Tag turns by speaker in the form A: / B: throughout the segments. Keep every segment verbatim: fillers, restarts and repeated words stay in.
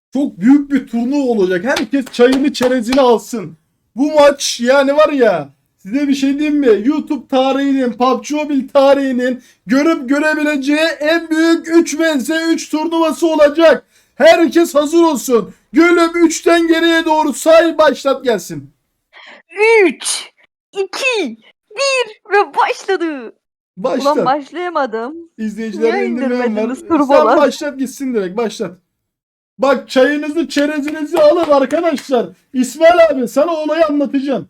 A: Çok büyük bir turnuva olacak. Herkes çayını çerezini alsın. Bu maç yani var ya, size bir şey diyeyim mi? YouTube tarihinin, P U B G Mobile tarihinin görüp görebileceği en büyük üç vs üç turnuvası olacak. Herkes hazır olsun. Gülüm üçten geriye doğru say, başlat gelsin.
B: üç, iki, bir ve başladı.
A: Başlat.
B: Ulan başlayamadım.
A: İzleyiciler
B: Niye
A: indirmeyen var.
B: indirmediniz
A: Sen
B: turbolar?
A: başlat gitsin direkt, başlat. Bak çayınızı çerezinizi alın arkadaşlar. İsmail abi sana olayı anlatacağım.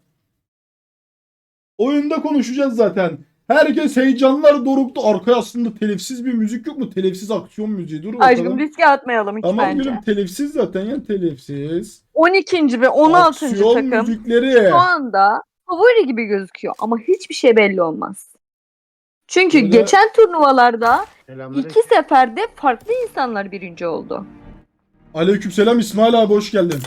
A: Oyunda konuşacağız zaten. Herkes heyecanlar doruktu. Arkaya aslında telifsiz bir müzik yok mu? Telifsiz aksiyon müziği. Dur bakalım.
B: Aşkım riske atmayalım hiç
A: Tamam
B: bence.
A: gülüm, telifsiz zaten ya, telifsiz.
B: on ikinci ve on altıncı
A: Aksiyon
B: takım
A: müzikleri.
B: şu anda favori gibi gözüküyor ama hiçbir şey belli olmaz. Çünkü
A: Böyle-
B: geçen turnuvalarda
C: Selamünaleyküm.
B: iki seferde farklı insanlar birinci oldu.
A: Aleykümselam İsmail abi, hoş geldin.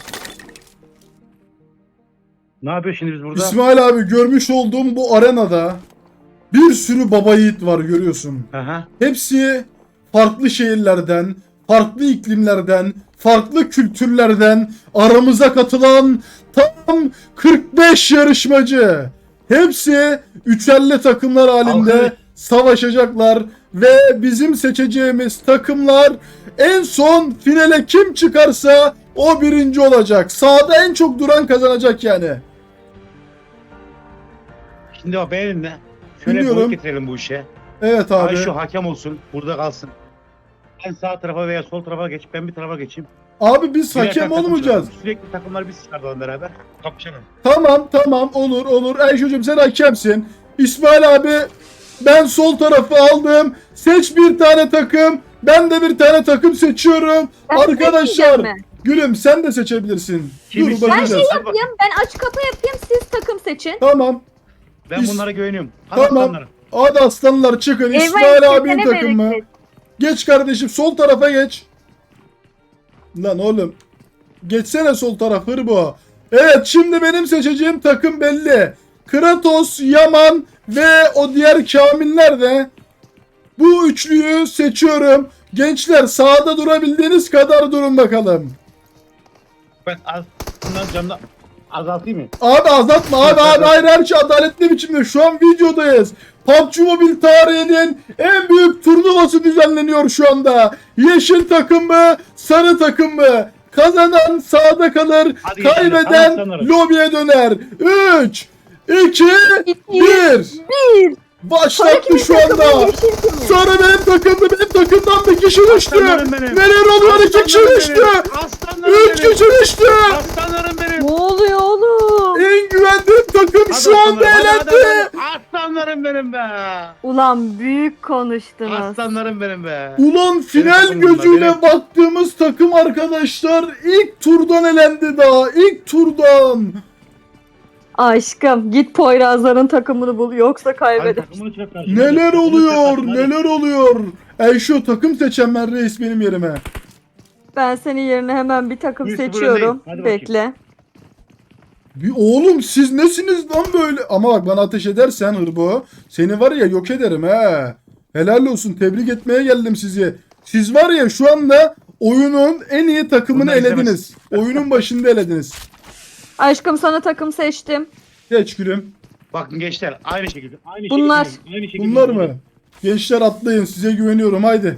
C: Ne yapıyor şimdi biz burada?
A: İsmail abi, görmüş olduğum bu arenada bir sürü baba yiğit var, görüyorsun.
C: Aha.
A: Hepsi farklı şehirlerden, farklı iklimlerden, farklı kültürlerden aramıza katılan tam kırk beş yarışmacı. Hepsi üçerli takımlar halinde
C: Alkış.
A: savaşacaklar ve bizim seçeceğimiz takımlar en son finale kim çıkarsa o birinci olacak. Sahada en çok duran kazanacak yani.
C: Şimdi bak benimle. Şöyle
A: Dinliyorum.
C: boyut getirelim bu işe.
A: Evet abi.
C: Ay şu hakem olsun. Burada kalsın. Sen sağ tarafa veya sol tarafa geç. Ben bir tarafa geçeyim.
A: Abi biz
C: Birer
A: hakem
C: tane takım
A: olmayacağız.
C: çıkartalım. Sürekli takımları biz çıkartalım beraber. Kapışalım.
A: Tamam tamam, olur olur. Ayşe'cim sen hakemsin. İsmail abi, ben sol tarafı aldım. Seç bir tane takım. Ben de bir tane takım seçiyorum.
B: Ben
A: Arkadaşlar
B: seçmeyeceğim mi?
A: gülüm sen de seçebilirsin.
C: Kim
A: Dur
C: ister?
B: Ben
A: bakacağız.
B: şey
C: Hadi bak.
B: yapayım, ben aç kapı yapayım, siz takım seçin.
A: Tamam.
C: Ben
A: Biz-
C: bunlara güveniyorum. Hadi
A: Tamam.
C: aslanlarım.
A: Hadi aslanlar çıkın.
B: Eyvah,
A: İsmail abinin
B: kesene
A: takımı.
B: bereket.
A: Geç kardeşim, sol tarafa geç. Lan oğlum. Geçsene sol taraf hırbo. Evet, şimdi benim seçeceğim takım belli. Kratos, Yaman ve o diğer Kamiller de. Bu üçlüyü seçiyorum. Gençler sahada durabildiğiniz kadar durun bakalım.
C: Ben az bundan canlı azaltayım mı?
A: Abi azaltma abi abi, hayır, her şey adaletli biçimde. Şu an videodayız. P U B G Mobile tarihinin en büyük turnuvası düzenleniyor şu anda. Yeşil takım mı, sarı takım mı? Kazanan sahada kalır,
C: Hadi geçelim,
A: kaybeden
C: tamam, sanırım.
A: lobiye döner. üç, iki,
B: İki,
A: bir.
B: bir.
A: Başlattı şu
B: takımı,
A: anda.
B: yeşil kimin?
A: Sarı benim takımdı, benim takımdan bir kişi düştü.
C: Aslanlarım benim.
A: Neler oluyor, iki kişi
C: Aslanlarım
A: düştü.
C: benim. Aslanlarım
A: Üç
C: benim.
A: kişi düştü.
C: Aslanlarım benim.
B: Ne oluyor oğlum?
A: En güvendiğim takım
C: Hadi
A: şu anda
C: aslanlarım, hadi, hadi,
A: elendi.
C: hadi. Aslanlarım benim be.
B: Ulan büyük konuştunuz.
C: Aslanlarım benim be.
A: Ulan final
C: takımım bunlar,
A: gözüyle
C: benim.
A: baktığımız takım arkadaşlar ilk turdan elendi daha. İlk turdan.
B: Aşkım git Poyrazların takımını bul yoksa
C: Hadi
B: kaybeder.
C: takımını çıkar karşıma.
A: Neler
C: Takımını
A: oluyor?
C: çıkar, hadi.
A: Neler oluyor? Ey şu takım seçen ben reis benim yerime.
B: Ben senin yerine hemen bir takım
C: Bir sıfır
B: seçiyorum.
C: öndeyim. Hadi bakayım.
B: Bekle.
A: Bir oğlum siz nesiniz lan böyle? Ama bak bana ateş edersen hırbo, seni var ya yok ederim he. Helal olsun, tebrik etmeye geldim sizi. Siz var ya şu anda oyunun en iyi takımını
C: Bunlar
A: elediniz.
C: izlemez.
A: Oyunun başında elediniz.
B: Aşkım sana takım seçtim.
A: Geç gülüm.
C: Bakın gençler aynı şekilde. Aynı
B: Bunlar.
C: şekilde. Aynı şekilde.
A: Bunlar mı? Gençler atlayın, size güveniyorum, haydi.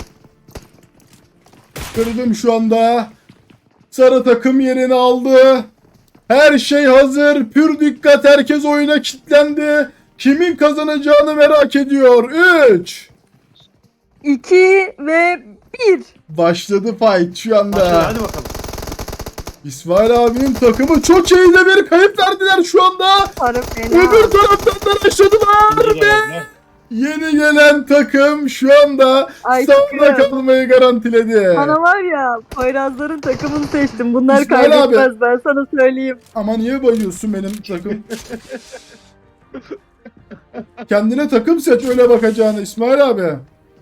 A: Kırdım şu anda. Sarı takım yerini aldı. Her şey hazır. Pür dikkat, herkes oyuna kilitlendi. Kimin kazanacağını merak ediyor. üç.
B: iki ve bir.
A: Başladı fight şu anda.
C: Başla, hadi bakalım.
A: İsmail abinin takımı çok iyi de bir kayıp verdiler şu anda.
B: Sarı fena.
A: Öbür taraftan da başladılar ve yeni gelen takım şu anda
B: Aşkım.
A: sahada kalmayı garantiledi.
B: Bana var ya Poyrazların takımını seçtim. Bunlar
A: İsmail
B: kaybetmez
A: abi.
B: ben sana söyleyeyim.
A: Ama niye bayıyorsun benim takım? Kendine takım seç, öyle bakacağını İsmail abi.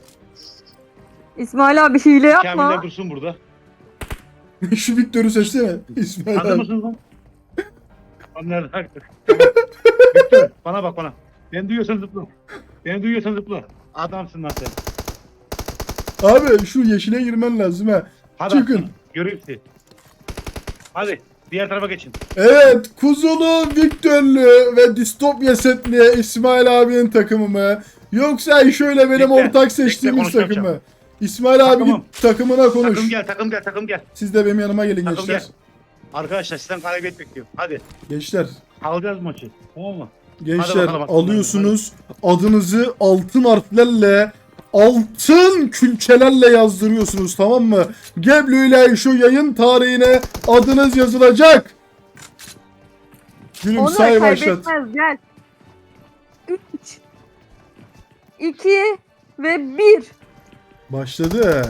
B: İsmail abi hile yapma.
C: Kamiller dursun burada.
A: Şu Victor'u seçsene İsmail
C: Hazır
A: abi.
C: mısınız lan? Onlar Victor bana bak bana. Beni duyuyorsan zıpla. Beni duyuyorsan zıpla. Adamsın lan sen.
A: Abi şu yeşile girmen lazım ha.
C: Hadi
A: Çıkın.
C: aslanım, göreyim sizi. Hadi diğer tarafa geçin.
A: Evet, Kuzulu, Viktörlü ve Distopya setli İsmail abinin takımı mı? Yoksa şöyle benim
C: Bekle,
A: ortak seçtiğimiz
C: bekle,
A: takım mı?
C: konuşacağım.
A: İsmail abi
C: Takımım.
A: git takımına konuş.
C: Takım gel takım gel takım gel.
A: Siz de benim yanıma gelin
C: Takım
A: gençler.
C: gel. Arkadaşlar sizden galibiyet bekliyorum. Hadi.
A: Gençler,
C: Alacağız maçı. Tamam mı?
A: gençler
C: bakalım, bakalım.
A: alıyorsunuz. Adınızı altın harflerle, altın külçelerle yazdırıyorsunuz, tamam mı? Geblu ile şu yayın tarihine adınız yazılacak. Gülüm
B: Onur
A: say başlat.
B: kaybetmez gel. üç, iki ve bir.
A: Başladı.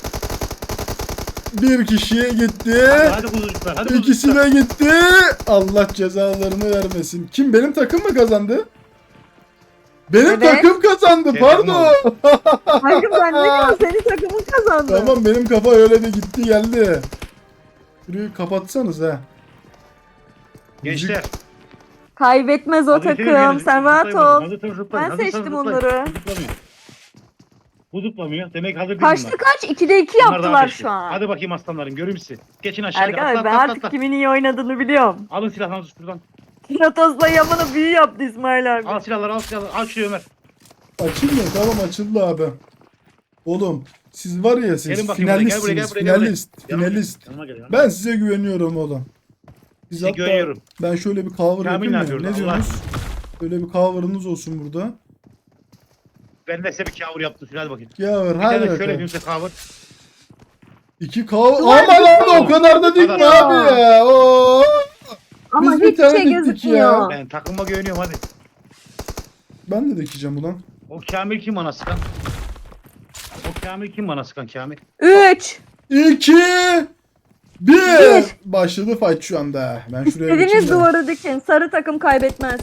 A: Bir kişiye gitti.
C: Hadi, hadi kuzucuklar. Hadi
A: İkisi
C: kuzucuklar.
A: de gitti. Allah cezalarını vermesin. Kim, benim takım mı kazandı? Benim
B: Evet.
A: takım kazandı.
C: Şey,
A: Pardon.
B: Hakkım sen ne diyorsun? Senin takımın kazandı.
A: Tamam, benim kafa öyle de gitti geldi. Şurayı kapatsanız ha.
C: Gençler.
B: Kaybetmez o
C: hadi
B: takım.
C: gelin,
B: Sen
C: zıplayın
B: rahat
C: bakalım.
B: ol.
C: Hazır, hazır, zıplayın.
B: Ben
C: Hazır,
B: seçtim
C: hazır, zıplayın.
B: onları.
C: Bu zıplamıyor. Bu zıplamıyor. Demek hazır değil
B: Kaçtı
C: bunlar.
B: kaç? ikide iki
C: Bunlar daha
B: yaptılar
C: peşli.
B: şu an.
C: Hadi bakayım aslanlarım, göreyim sizi. Geçin aşağıya.
B: Erkan
C: Atla,
B: abi
C: atla,
B: ben
C: atla,
B: artık
C: atla.
B: kimin iyi oynadığını biliyorum.
C: Alın silahlarınızı şuradan.
B: Kratos'la Yaman'ı büyü yaptı İsmail abi.
C: Al silahları, al silahları. Al şuraya Ömer.
A: Açılmıyor, tamam açıldı abi. Oğlum siz var ya, siz
C: Gelin bakayım buraya, gel buraya,
A: finalistsiniz.
C: gel buraya, gel buraya.
A: Finalist.
C: Yanıma gel,
A: Finalist.
C: yanıma gel, yanıma.
A: Ben size güveniyorum oğlum. Siz
C: Size
A: hatta-
C: güveniyorum.
A: Ben şöyle bir cover
C: Kamil
A: yapayım
C: ne
A: mı?
C: yapıyor
A: Ne
C: orada?
A: diyorsunuz? Böyle bir cover'ınız olsun burada.
C: Ben de size bir kavur yaptım. Hadi bakayım.
A: Cover,
C: Bir
A: hadi
C: tane şöyle
A: bakalım.
C: yapayım size kavur.
A: İki cover.
B: Duvar
A: Aman abi,
B: dikmiyor.
A: o kadar da dikme
C: Hadi.
A: abi ya. Oo.
B: Ama
A: Biz bir
B: hiç
A: tane
B: şey
A: diktik
B: gözükmüyor.
A: ya.
C: Ben takıma güveniyorum hadi.
A: Ben de dikeceğim ulan.
C: O Kamil kim bana sıkan? O Kamil kim bana sıkan Kamil?
B: üç.
A: İki. Bir.
B: Bir.
A: Başladı fight şu anda. Ben şuraya
B: Dediğiniz
A: geçeyim de.
B: duvarı dikin. Sarı takım kaybetmez.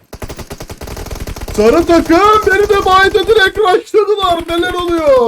A: Sarı takım beni de bayda direkt rushladılar. Neler oluyor?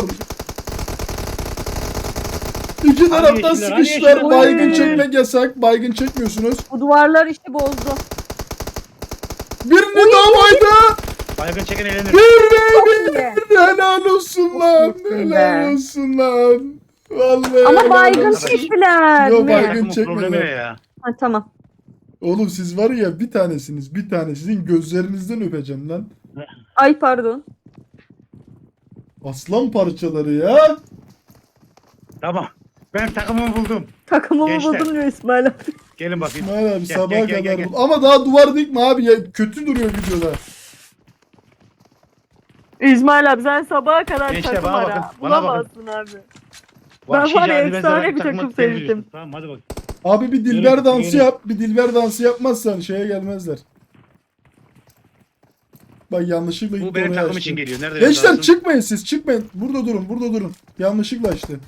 A: İki taraftan
C: yeşiller, hadi
A: sıkıştılar.
C: yeşiller.
A: Baygın
B: Oy.
A: çekmek yasak. Baygın çekmiyorsunuz.
B: Bu duvarlar işi bozdu.
A: Birini daha baydı.
C: Baygın çeken eğlenir.
A: Bir
B: Çok
A: bir.
B: iyi.
A: Helal olsun lan.
B: iyisin
A: Helal
B: be.
A: olsun lan. Vallahi
B: Ama
A: helal
B: baygın
A: olsun.
B: çektiler
A: Yok,
B: mi?
A: baygın
C: Takımın
A: çekmediler.
C: problemi ya.
B: Ha, tamam.
A: Oğlum siz var ya, bir tanesiniz. Bir tane. Sizin gözlerinizden öpeceğim lan.
B: Ay pardon.
A: Aslan parçaları ya.
C: Tamam. Ben takımımı buldum.
B: Takımımı
C: Gençler.
B: buldum diyor İsmail abi.
C: Gelin bakayım.
A: İsmail abi
C: Gel,
A: sabaha
C: gel, gel,
A: kadar
C: gel,
A: bul. Ama daha duvar dikme abi ya. Kötü duruyor videoda.
B: İsmail abi sen sabaha kadar
C: Gençler,
B: takım
C: bana
B: ara.
C: bakın, bana
B: Bulamazsın abi.
C: Vahşi
B: var ya,
C: cazibesi
B: efsane
C: olarak
B: bir
C: takıma
B: takım
C: sen
B: sevdim.
C: biliyorsun. Tamam hadi bak.
A: Abi bir dilber
C: Yürü,
A: dansı
C: yürü.
A: yap. Bir dilber dansı yapmazsan şeye gelmezler. Bak yanlışlıkla
C: Bu
A: gitti
C: benim
A: oraya
C: takım
A: açtı.
C: için geliyor. Nerede?
A: Gençler
C: yazarsın?
A: çıkmayın siz, çıkmayın. Burada durun, burada durun. Yanlışlıkla açtı.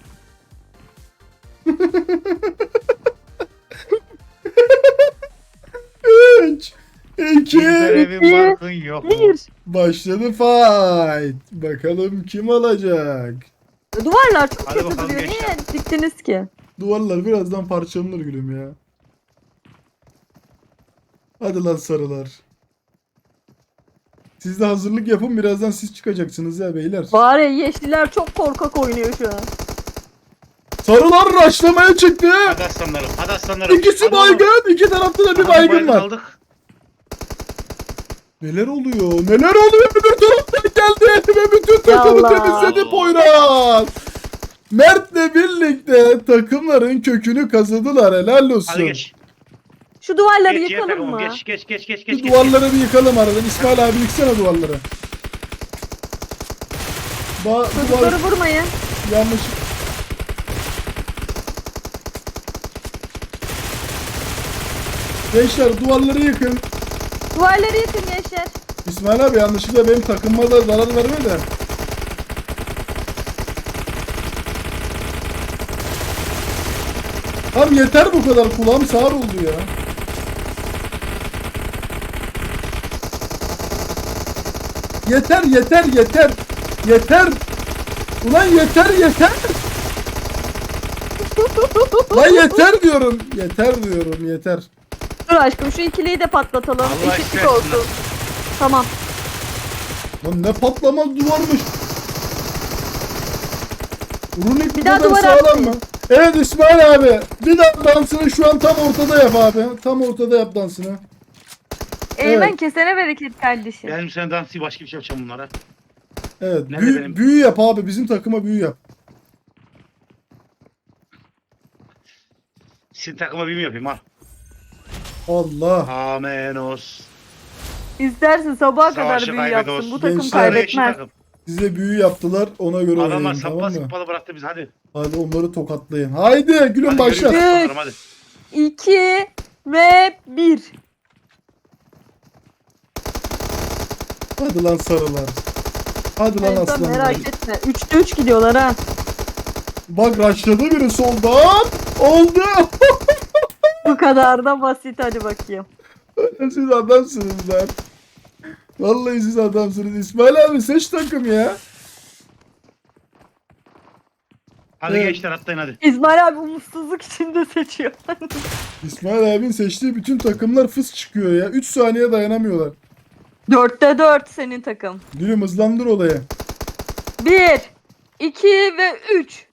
A: Üç, iki,
C: Bizler evin
B: İki,
C: barkın yok.
B: Bir.
A: başladı fight. Bakalım kim alacak?
B: Duvarlar çok
C: Hadi
B: kötü
C: bakalım
B: duruyor.
C: gençler.
B: Niye diktiniz ki?
A: Duvarlar birazdan parçalanır gülüm ya. Hadi lan sarılar. Siz de hazırlık yapın, birazdan siz çıkacaksınız ya beyler.
B: Var ya yeşiller çok korkak oynuyor şu an.
A: Sarılar raşlamaya çıktı.
C: Hadi aslanlarım. Hadi aslanlarım.
A: İkisi
C: Hadi oğlum.
A: baygın, iki tarafta da bir
C: Hadi
A: baygın var.
C: aldık.
A: Neler oluyor? Neler oluyor? Öbür taraftan geldi ve bütün takımı
B: Yallah.
A: temizledi Poyraz. Mert'le birlikte takımların kökünü kazıdılar. Helal olsun.
C: Hadi geç.
B: Şu duvarları
C: Geç, diğer
B: yıkalım
C: takımım.
B: mı?
C: Geç geç geç geç
A: Şu
C: geç. geç.
A: duvarları bir yıkalım aradan. İsmail abi yıksana duvarları. Ba duvar
B: Çocukları vurmayın.
A: yanlış. Gençler duvarları yıkın.
B: Duvarları yıkın gençler.
A: İsmail abi yanlışlıkla benim takımıma da zarar verme de. Tamam yeter bu kadar, kulağım sağır oldu ya. Yeter yeter yeter. Yeter. Ulan yeter yeter. Lan yeter diyorum. Yeter diyorum yeter.
B: Dur aşkım şu ikiliyi de patlatalım.
C: Allah
B: Eşitlik
C: istersin
B: olsun.
C: lan.
B: Tamam.
A: Lan ne patlamaz duvarmış. Runik bu
B: Bir daha
A: kadar
B: duvar
A: sağlam
B: atmayın.
A: mı? Evet İsmail abi. Bir daha dansını şu an tam ortada yap abi. Tam ortada yap dansını.
B: Eymen
A: Evet.
B: kesene bereket kardeşim.
C: Benim sen dansı başka bir şey yapacağım bunlara.
A: Evet.
C: Nerede
A: Büyü,
C: benim?
A: büyü yap abi. Bizim takıma büyü yap.
C: Sizin takıma bir mi yapayım al.
A: Allah.
C: Amenos.
B: İstersin sabaha kadar
C: Savaşı
B: büyü
C: kaybediyoruz.
B: yapsın. Bu takım
A: Gençler,
B: kaybetmez.
A: Size büyü yaptılar. Ona göre
C: Adamlar
A: oynayın,
C: sapla
A: tamam mı?
C: sıkmalı bıraktı bizi hadi.
A: Hadi onları tokatlayın. Haydi gülüm
C: Hadi
A: başla.
C: görüyoruz aslanlarım, hadi.
B: iki ve bir.
A: Hadi lan sarılar. Hadi lan
B: Eymen
A: aslanlar.
B: merak etme. Üçte üç gidiyorlar ha.
A: Bak raşladı biri soldan. Oldu.
B: Bu kadar da basit, hadi bakayım.
A: Siz adamsınız lan. Vallahi siz adamsınız. İsmail abi seç takım ya.
C: Hadi
A: Evet.
C: gençler atlayın hadi.
B: İsmail abi umutsuzluk içinde seçiyor.
A: İsmail abinin seçtiği bütün takımlar fıs çıkıyor ya. üç saniye dayanamıyorlar.
B: Dörtte dört senin takım.
A: Gülüm hızlandır olayı.
B: Bir, iki ve üç.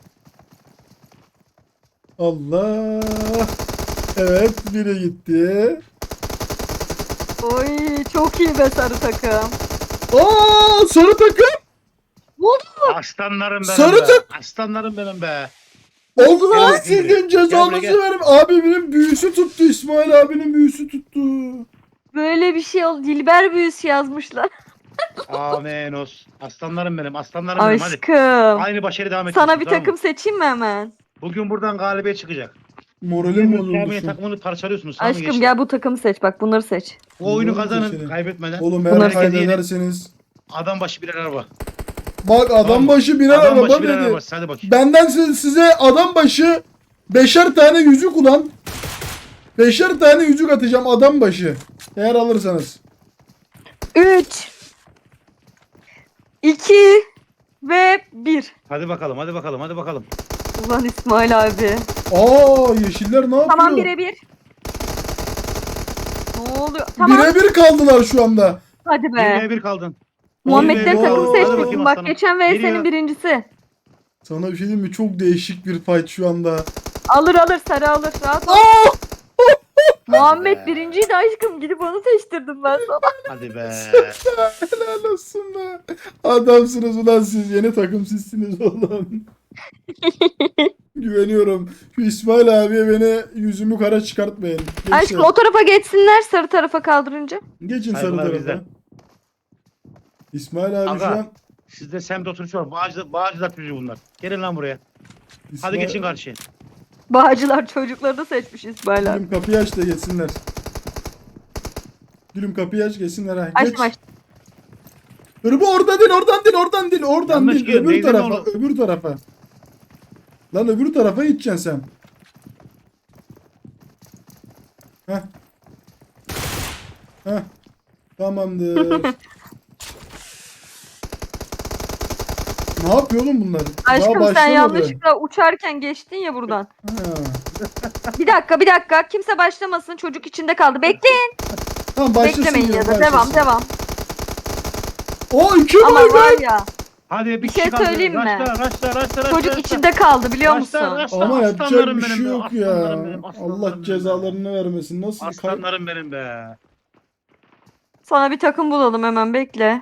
A: Allah. Evet biri gitti.
B: Oy çok iyi be sarı takım.
A: Aa sarı takım.
B: Ne oldu?
C: Aslanlarım benim
A: Sarı
C: be.
A: tık.
C: Aslanlarım benim be.
A: Allah
C: Gel,
A: sizin
C: gel,
A: cezanızı
C: gel.
A: verim. Abimin büyüsü tuttu. İsmail abinin büyüsü tuttu.
B: Böyle bir şey oldu. Dilber büyüsü yazmışlar.
C: Amenos. Aslanlarım benim. Aslanlarım benim hadi.
B: Aşkım.
C: Aynı başarı devam et.
B: Sana bir takım seçeyim mi hemen?
C: Bugün buradan galibiyet çıkacak.
A: Moralim
C: Kamil'in
A: bozuldu.
C: takımını parçalıyorsunuz. Tamam mı
B: Aşkım
C: gençler?
B: gel bu takımı seç, bak bunları seç.
C: Bu oyunu
A: Bunları
C: kazanın
A: seçelim.
C: kaybetmeden.
A: Oğlum
B: Bunları
A: eğer
C: seçelim.
A: kaybederseniz.
C: Adam başı birer araba.
A: Bak adam
C: Tamam.
A: başı birer
C: Adam
A: araba
C: başı birer
A: dedi.
C: araba. Hadi bakayım.
A: Benden size, size adam başı beşer tane yüzük ulan. Beşer tane yüzük atacağım adam başı. Eğer alırsanız.
B: Üç. iki ve bir.
C: Hadi bakalım hadi bakalım hadi bakalım.
B: Ulan İsmail abi.
A: Aa yeşiller ne yapıyor?
B: Tamam birebir. Ne oluyor? Tamam.
A: Birebir kaldılar şu anda.
B: Hadi
C: Bir
B: be.
C: ve bir kaldın.
B: Muhammed'den
A: Oo,
B: takım
A: hadi
B: seçmişsin.
C: bakayım
B: Bak
C: aslanım.
B: geçen ve
C: Geliyor.
B: senin birincisi.
A: Sana bir şey diyeyim mi? Çok değişik bir fight şu anda.
B: Alır alır sarı alır. Rahat ol.
A: Aa!
B: Muhammed birinciydi aşkım. Gidip onu seçtirdim ben sana.
C: Hadi be.
A: Helal olsun be. Adamsınız ulan siz. Yeni takım sizsiniz oğlum. Güveniyorum. Şu İsmail abiye beni yüzümü kara çıkartmayın. Gençler,
B: Aşkım o tarafa geçsinler sarı tarafa kaldırınca.
A: geçin sarı
C: Saygılar
A: tarafa.
C: bizden.
A: İsmail abi
C: Aga.
A: şu an...
C: Sizde semt oturuş var. Bağcılar, bağcılar çocuğu bunlar. Gelin lan buraya. Hadi
A: İsmail-
C: geçin karşıya.
B: Bağcılar çocuklarını seçmiş İsmail abi.
A: Gülüm kapıyı aç da geçsinler. Gülüm kapıyı aç geçsinler ha. Geç.
B: Açtım açtım.
A: Hırbu oradan değil oradan değil oradan değil oradan
C: Yanlış
A: değil
C: gidiyor,
A: öbür
C: neyden
A: tarafa
C: oğlum?
A: öbür tarafa. Lan öbür tarafa gideceksin sen. Heh. Heh. Tamamdır. Ne yapıyor oğlum bunlar? Daha
B: Aşkım sen
A: başlamadı.
B: yanlışlıkla uçarken geçtin ya buradan.
A: Ha.
B: Bir dakika bir dakika. Kimse başlamasın. Çocuk içinde kaldı. Bekleyin.
A: Tamam başlasın.
B: Beklemeyin ya da.
A: başlasın.
B: Devam devam.
A: O iki
B: Ama
A: boy be.
B: var ya.
C: Hadi bir,
B: Bir
C: kişi
B: şey
C: kaldı.
B: söyleyeyim mi?
C: Raşla, raşla, raşla, raşla,
B: Çocuk
C: raşla.
B: içinde kaldı biliyor musun?
C: Raşla, raşla.
A: Ama yapacak
C: Aslanlarım
A: bir şey
C: benim be,
A: yok ya.
C: aslanlarım benim, aslanlarım
A: Allah
C: benim be.
A: cezalarını vermesin. Nasıl kay-
C: Aslanlarım benim be.
B: Sana bir takım bulalım hemen bekle.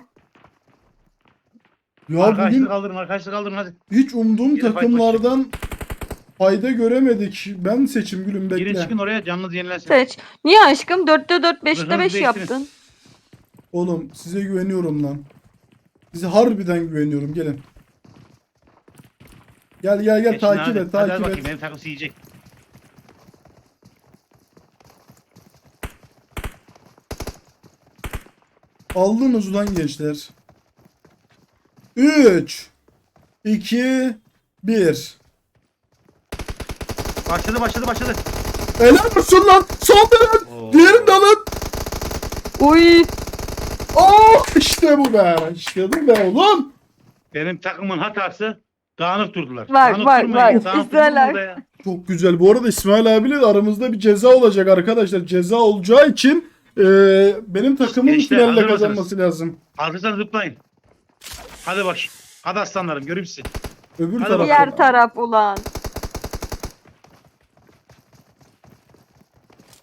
A: Ya
C: Arkadaşlık
A: bugün
C: kaldırın, arkadaşlık kaldırın hadi.
A: hiç umduğum
C: Geri fight
A: takımlardan fayda göremedik. Ben seçim gülüm bekle.
C: Girin çıkın oraya canınız yenilensin.
B: Seç. Niye aşkım? dörtte dört, beşte
C: Hızlı
B: beş
C: değiştirin.
B: yaptın.
A: Oğlum size güveniyorum lan. Size harbiden güveniyorum gelin. Gel gel gel
C: Geçin
A: takip
C: hadi.
A: et
C: Hadi,
A: takip
C: hadi
A: et.
C: bakayım benim takım yiyecek.
A: Aldınız ulan gençler. üç iki bir.
C: Başladı başladı başladı.
A: Helal olsun lan. Son dönem.
C: Oo.
A: Diğerini de alın.
B: Uy.
A: Oh işte bu be. İşte bu be oğlum.
C: Benim takımın hatası dağınık durdular.
B: Bak,
C: dağınık
B: bak,
C: durmayın,
B: bak.
C: dağınık
B: İsrail
C: durmayın
B: abi.
C: burada ya.
A: Çok güzel. Bu arada İsmail abiyle aramızda bir ceza olacak arkadaşlar. Ceza olacağı için e, benim takımın
C: Gençler,
A: finalle
C: hazır mısınız?
A: kazanması lazım.
C: Hazırsanız zıplayın. Hadi bak. Hadi aslanlarım göreyim sizi.
A: Öbür
C: Hadi
A: tarafta.
B: Diğer taraf ulan.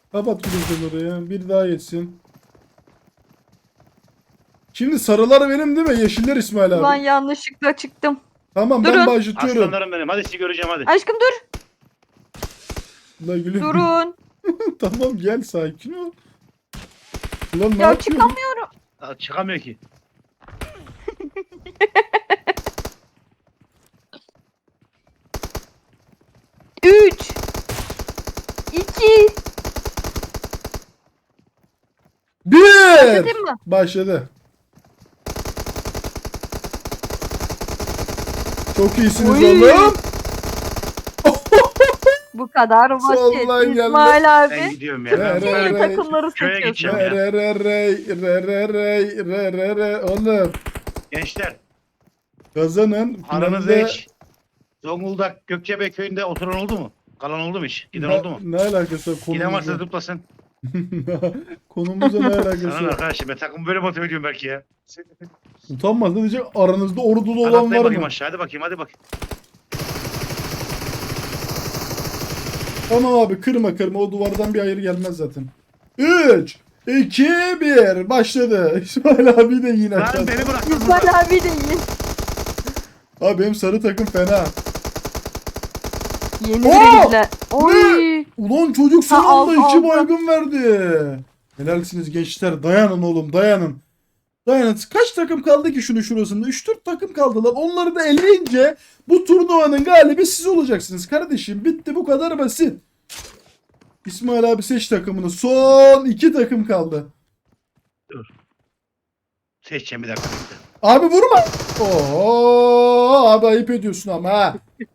A: Kapat gülüm oraya. Bir daha geçsin. Şimdi sarılar benim değil mi? Yeşiller İsmail abi.
B: Ulan yanlışlıkla çıktım.
A: Tamam
B: Durun.
A: ben başlatıyorum.
C: Aslanlarım benim. Hadi sizi göreceğim hadi.
B: Aşkım dur.
A: La gülüm.
B: Durun.
A: Tamam gel sakin ol. Ulan ne
B: Ya
A: yapıyorsun?
B: çıkamıyorum.
C: Aa, çıkamıyor ki.
B: Üç. İki.
A: Bir.
B: Başlatayım mı?
A: Başladı. Çok iyisiniz
B: Oy.
A: oğlum.
B: Bu kadar
A: Soldan
B: basit.
A: geldi.
B: İsmail
C: Ben
B: abi.
C: gidiyorum ya. Ben
A: Re, re,
B: Türkiye
A: re.
B: takımları
C: Köye
B: seçiyorsun.
C: gideceğim.
A: Re re re re re re re re re oğlum.
C: Gençler
A: Kazanın.
C: aranızda
A: Finalde-
C: hiç Zonguldak Gökçebey köyünde oturan oldu mu? Kalan oldu mu hiç? Giden
A: Ne-
C: oldu mu?
A: Ne alakası var
C: Giden varsa
A: konumuzla?
C: zıplasın.
A: Konumuzla ne alakası
C: Sana ne
A: var?
C: arkadaşım ben takımı böyle motive ediyorum belki ya.
A: Utanmaz ne diyecek? Aranızda ordulu
C: Hadi
A: olan
C: atlayın
A: var
C: bakayım
A: mı?
C: aşağı hadi bakayım hadi bakayım.
A: Tamam abi kırma kırma o duvardan bir hayır gelmez zaten. üç, iki, bir başladı. İsmail abi de yine
C: Lan
A: aşağıda.
C: beni bıraktın burada.
B: İsmail abi de iyi.
A: Abi benim sarı takım fena.
B: Yeni
A: Oo!
B: biri girdiler. Oy.
A: Ulan çocuk son
B: Ha,
A: anda
B: aldı,
A: iki
B: aldı.
A: baygın verdi. Helalsiniz gençler. Dayanın oğlum dayanın. Dayanın. Kaç takım kaldı ki şunu şurasında? üç dört takım kaldılar. Onları da elleyince bu turnuvanın galibi siz olacaksınız kardeşim. Bitti bu kadar basit. İsmail abi seç takımını. Son iki takım kaldı.
C: Seçeceğim bir dakika. bekle.
A: Abi vurma. Oo abi ayıp ediyorsun ama ha.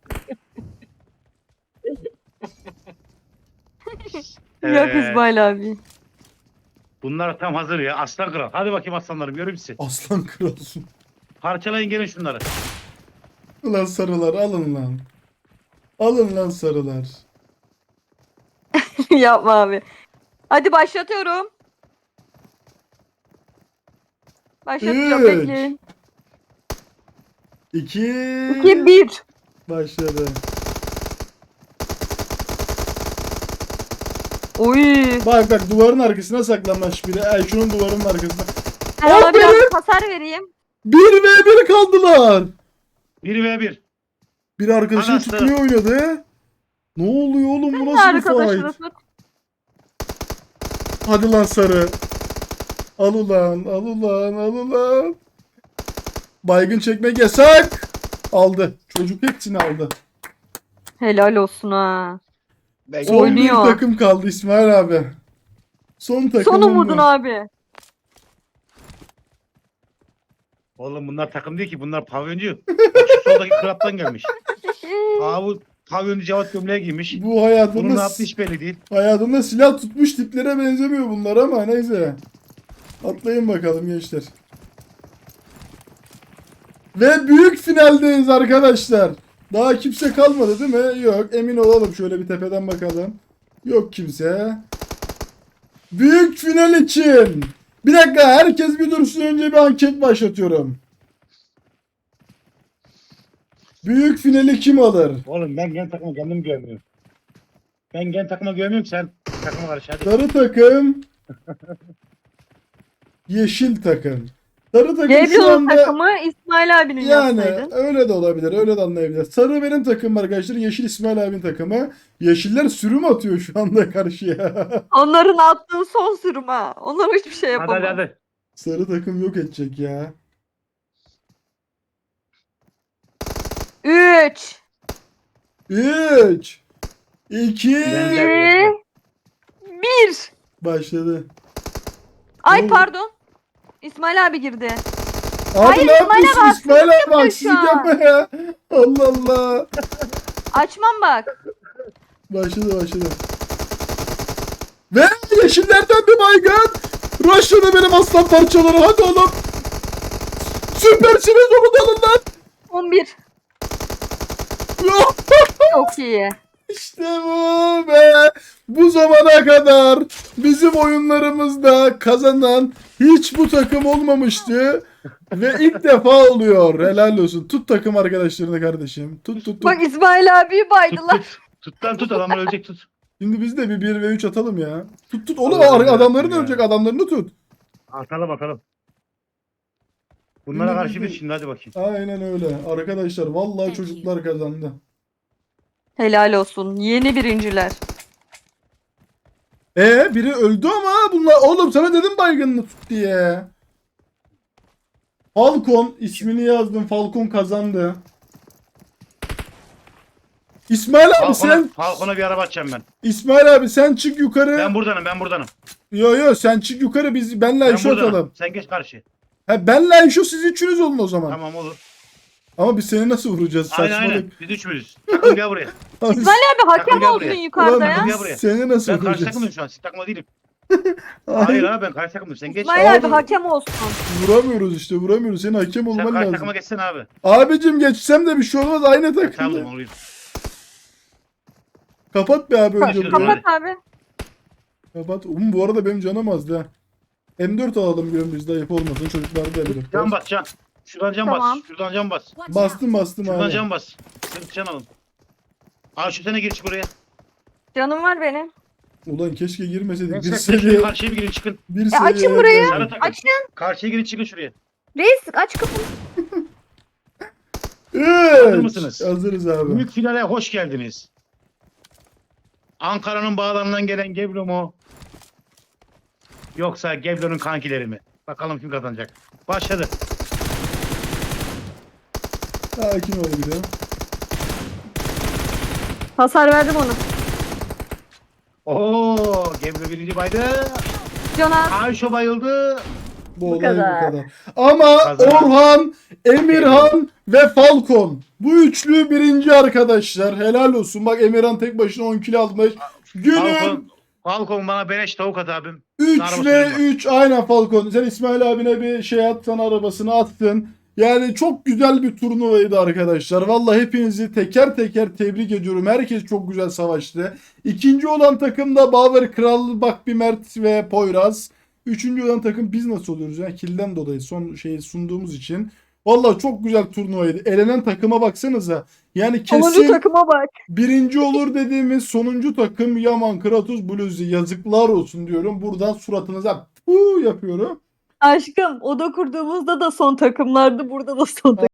B: Yok
C: Ee,
B: İsmail abi.
C: Bunlar tam hazır ya. Aslan kral. Hadi bakayım aslanlarım göreyim sizi.
A: Aslan kralsın.
C: Parçalayın gelin şunları.
A: Ulan sarılar alın lan. Alın lan sarılar.
B: Yapma abi. Hadi başlatıyorum. Başlatacağım
A: Üç.
B: bekleyin.
A: İki.
B: İki bir.
A: Başladı.
B: Oy.
A: Bak bak duvarın arkasına saklanmış biri. Ay şunun duvarın arkasına.
B: Ben ona
A: Aferin.
B: biraz hasar vereyim.
A: bir ve bir kaldılar.
C: bir ve bir.
A: Bir arkadaşını
C: Anası.
A: tutmaya oynadı. Ne oluyor oğlum bu
B: Ne
A: nasıl bir
B: arkadaşını
A: fight?
B: tut.
A: Hadi lan sarı. Al ulan al ulan al ulan. Baygın çekmek yasak. Aldı. Çocuk hepsini aldı.
B: Helal olsun ha.
C: Ben
A: Son
B: Oynuyor.
A: bir takım kaldı İsmail abi. Son takım.
B: Son umudun abi.
C: Oğlum bunlar takım değil ki bunlar pavyoncu. Bak şu soldaki klaptan gelmiş. Aa bu pavyoncu Cevat gömleği giymiş.
A: Bu
C: Bunun ne
A: hayatında,
C: yaptığı hiç belli değil.
A: hayatında silah tutmuş tiplere benzemiyor bunlar ama neyse. Atlayın bakalım gençler. Ve büyük finaldeyiz arkadaşlar. Daha kimse kalmadı değil mi? Yok. Emin olalım. Şöyle bir tepeden bakalım. Yok kimse. Büyük final için. Bir dakika. Herkes bir dursun. Önce bir anket başlatıyorum. Büyük finali kim alır?
C: Oğlum ben gen takıma kendim güvenmiyorum. Ben gen takıma güvenmiyorum sen takıma karşı hadi.
A: Sarı takım. Yeşil takım. Sarı takım şu
B: Gabriel'ın
A: anda...
B: takımı İsmail abinin
A: Yani
B: yapsaydın.
A: öyle de olabilir. Öyle de anlayabilir. Sarı benim takımım arkadaşlar. Yeşil İsmail abinin takımı. Yeşiller sürüm atıyor şu anda karşıya.
B: Onların attığı son sürüm ha. Onlar hiçbir şey
C: Hadi
B: yapamaz.
C: hadi hadi.
A: Sarı takım yok edecek ya.
B: Üç.
A: üç iki
C: Ben
B: iki,
C: de-
B: bir.
A: başladı.
B: Ay
A: Oo.
B: pardon. İsmail abi girdi.
A: Abi
B: Hayır,
A: ne
B: İsmail
A: yapıyorsun
B: abi,
A: İsmail abi
B: yapıyor
A: haksızlık
B: şu an.
A: yapma ya. Allah Allah.
B: Açmam bak.
A: Başladı başladı. Ve yeşillerden bir baygın. Rush'ladı benim aslan parçaları. Hadi oğlum. Süpersiniz onu da alın lan.
B: on bir. Çok iyi.
A: İşte bu be. Bu zamana kadar bizim oyunlarımızda kazanan hiç bu takım olmamıştı. Ve ilk defa oluyor. Helal olsun. Tut takım arkadaşlarını kardeşim. Tut tut tut.
B: Bak İsmail abiyi
C: Tut
B: baydılar.
C: tut. Tut lan tut adamlar ölecek tut.
A: Şimdi biz de bir bir ve üç atalım ya. Tut tut oğlum
C: Allah'ım
A: adamların
C: yarabbim
A: ölecek
C: ya.
A: adamlarını tut.
C: Atalım bakalım. Bunlara
A: Şimdi
C: karşı
A: biz
C: bir
A: de-
C: şimdi hadi bakayım.
A: Aynen öyle. Arkadaşlar vallahi
D: Thank
A: çocuklar kazandı.
B: Helal olsun. Yeni birinciler.
A: E biri öldü ama bunlar oğlum sana dedim baygınını tut diye. Falcon ismini yazdım. Falcon kazandı. İsmail abi
C: Falcon'a,
A: sen
C: Falcon'a bir araba açacağım ben.
A: İsmail abi sen çık yukarı.
C: Ben buradanım ben buradanım.
A: Yo yo sen çık yukarı biz benle
C: Ben
A: Ayşe
C: buradanım.
A: atalım.
C: Sen geç karşı.
A: Ha benle Ayşe siz üçünüz olun o zaman.
C: Tamam olur.
A: Ama biz seni nasıl vuracağız?
C: Aynen aynen.
A: Saçmalık.
C: Biz üçümüz. Takım gel buraya.
A: Abi,
B: İsmail abi hakem
C: Takım gel
B: olsun
C: buraya.
B: yukarıda
A: ulan
B: ya.
C: Gel
A: biz
C: buraya.
A: seni nasıl
C: Ben karşı
A: vuracağız?
C: takımdayım şu an. Siz takımda değilim.
A: Hayır,
C: Hayır abi ben karşı takımdayım. Sen geç.
B: İsmail abi
A: Abi-
B: hakem olsun.
A: vuramıyoruz işte vuramıyoruz. Senin hakem
C: Sen
A: olman
C: karşı
A: lazım.
C: takıma geçsene abi.
A: Abicim geçsem de bir şey olmaz aynı
C: Tamam
A: takımda.
C: olayım.
A: Kapat be abi önce
C: Kapat.
A: burayı.
B: Kapat abi.
A: Kapat. Um, bu arada benim canım azdı ha. M dört alalım diyorum biz de ayıp olmasın. Çocuklar da M dört
C: Can
A: var.
C: bas can. Şuradan can
B: Tamam.
C: bas. Şuradan can bas.
D: Watch out.
A: Bastım bastım
C: Şuradan
A: abi.
C: can bas. Sen can alın. Al şu sene gir buraya.
B: Canım var benim.
A: Ulan keşke girmeseydik. Bir
C: Neyse siz
A: seviye.
C: karşıya bir girin çıkın.
A: Bir
B: E, açın
A: seviye
B: burayı.
C: Sarı takım.
B: Açın.
C: Karşıya girin çıkın şuraya.
B: Reis aç kapıyı.
A: Evet.
C: Hazır mısınız?
A: Hazırız abi.
C: Büyük finale hoş geldiniz. Ankara'nın bağlarından gelen Geblo mu? Yoksa Geblo'nun kankileri mi? Bakalım kim kazanacak. Başladı.
A: Sakin ol bir de.
B: Hasar verdim ona.
C: Oo, Geblo birinci baydı.
B: Cana.
C: Ayşe bayıldı.
A: Bu,
B: Bu
A: olay
B: kadar.
A: bu kadar. Ama
C: Kazanan-
A: Orhan, Emirhan ve Falcon. Bu üçlü birinci arkadaşlar. Helal olsun. Bak Emirhan tek başına on kilo almış. Günün
C: Falcon, Falcon bana beleş tavuk at abim.
A: üç
C: Arabası
A: ve
C: var.
A: üç aynen Falcon. Sen İsmail abine bir şey atsan arabasını attın. Yani çok güzel bir turnuvaydı arkadaşlar. Vallahi hepinizi teker teker tebrik ediyorum. Herkes çok güzel savaştı. İkinci olan takım da Baver Kral, Bakbi Mert ve Poyraz. Üçüncü olan takım biz nasıl oluyoruz ya? Kilden dolayı son şeyi sunduğumuz için. Vallahi çok güzel turnuvaydı. Elenen takıma baksanıza. Yani
B: Sonuncu
A: kesin
B: takıma bak.
A: birinci olur dediğimiz sonuncu takım Yaman Kratos Blues'u yazıklar olsun diyorum. Buradan suratınıza puu yapıyorum.
B: Aşkım oda kurduğumuzda da son takımlardı. Burada da son takım.